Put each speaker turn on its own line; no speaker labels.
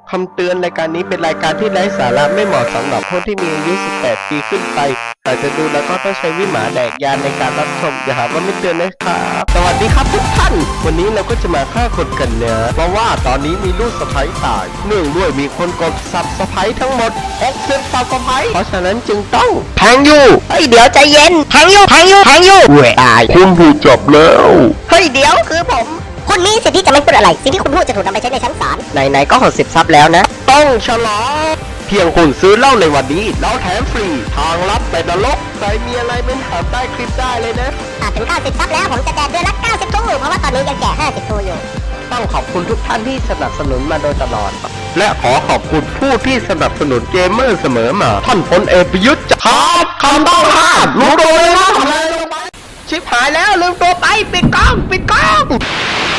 คำเตือนรายการนี้เป็นรายการที่ไร้สาระไม่เหมาะสำหรับผู้ที่มีอายุ 18 ปีขึ้นไปหากจะดูแล้วก็ต้องใช้วิหารแดกยานในการรับชมอย่าหาว่าไม่เตือนนะครับสวัสดีครับทุกท่านวันนี้เราก็จะมาฆ่าคนกันเนื้อเพราะว่าตอนนี้มีลูกสะใภ้ตายเนื่องด้วยมีคนกดซับสไครต์ทั้งหมด60ซับสไครต์เพราะฉะนั้นจึงต้องแทงอยู่เฮ้ยเดี๋ยวใจเย็นแทงอยู่ตายคุณถูกจับแล้วเฮ้ยเดี๋ยวคือผม
คุณมีสิทธิ์ที่จะไม่พูดอะไรสิ่งที่คุณพูดจะถูกนำไปใช้ในชั้นศาล
ไหนๆก็60ซับแล้วนะต้องฉลองเพียงคุณซื้อเหล้าในวันนี้เราแถมฟรีทางลับไปนรกใครมีอะไรเป็นถามใต้คลิปได้เลยนะ
ถึง90ซับแล้วผมจะแจกเดือนละ90ทูเพราะว่าตอนนี้ยังแจก50ทูอยู่
ต้องขอบคุณทุกท่านที่สนับสนุนมาโดยตลอดและขอขอบคุณผู้ที่สนับสนุนเกมเมอร์เสมอมาท่านพลเอกประยุทธ์ครับคำต้องห้ามรู้ตัวเลยนะทำอะไรลงไปชิบหายแล้วลืมตัวไปปิดกล้อง